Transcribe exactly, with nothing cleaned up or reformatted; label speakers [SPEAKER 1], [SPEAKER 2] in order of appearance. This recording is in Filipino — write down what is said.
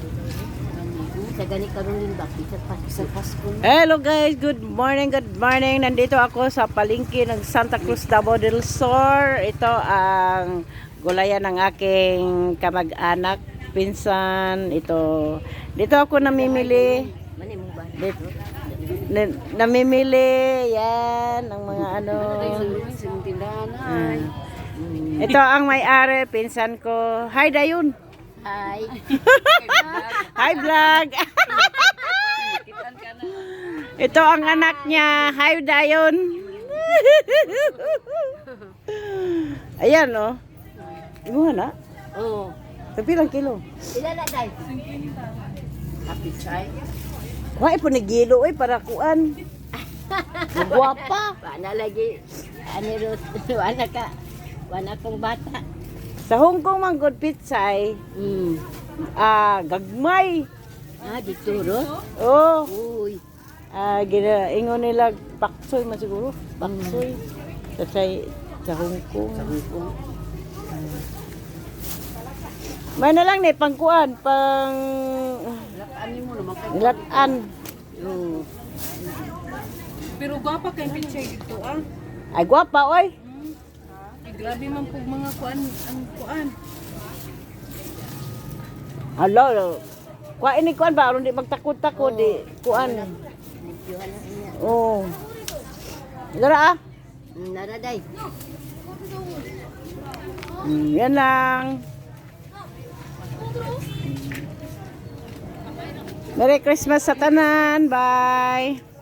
[SPEAKER 1] Sa gani karon din ba sa Pasko Pasko.
[SPEAKER 2] Hello guys, good morning, good morning. Nandito ako sa palengke ng Santa Cruz, Davao del Sur. Ito ang gulayan ng aking kamag-anak, pinsan. Ito, dito ako namimili.
[SPEAKER 1] Mani mo ba?
[SPEAKER 2] Dito, na- namimili, yan, ang mga ano.
[SPEAKER 1] Sa tindahan ay.
[SPEAKER 2] Ito ang may-ari, pinsan ko. Hi, Dayon.
[SPEAKER 1] Hi.
[SPEAKER 2] Hi, vlog. Ito ang anak niya. Hi, Dayon. Ayan, oh. Imuha na.
[SPEAKER 1] Oh.
[SPEAKER 2] Tapi lang kilo.
[SPEAKER 1] Ila na dai. Happy chai.
[SPEAKER 2] Wai po nagilo eh para kuan. Guwapa.
[SPEAKER 1] Wala lagi. Ani ro wala ka. Wala kong bata.
[SPEAKER 2] Sa Hong Kong man good pitsay.
[SPEAKER 1] Mm.
[SPEAKER 2] Ah, gagmay.
[SPEAKER 1] Ah, dito ro.
[SPEAKER 2] Oh,
[SPEAKER 1] Uy.
[SPEAKER 2] ah gina ingon nila paksoy man siguro. Paksoy. Sa say sa Hong Kong.
[SPEAKER 1] Kung
[SPEAKER 2] May na lang ni pangkuan, pang
[SPEAKER 1] ani mo naman kay.
[SPEAKER 2] latan.
[SPEAKER 1] Oh.
[SPEAKER 3] Pero gwapa kay picture dito ah.
[SPEAKER 2] Ay guwapa oy.
[SPEAKER 3] Ay, grabe man po mga kuan ang kuan.
[SPEAKER 2] Hello. Kuan ini kuan ba aron di magtakod-takod di kuan.
[SPEAKER 1] Nagjuhan na niya.
[SPEAKER 2] Oh. Dara ah.
[SPEAKER 1] Nara dai.
[SPEAKER 2] Mm, yan lang. Merry Christmas sa tanan. Bye.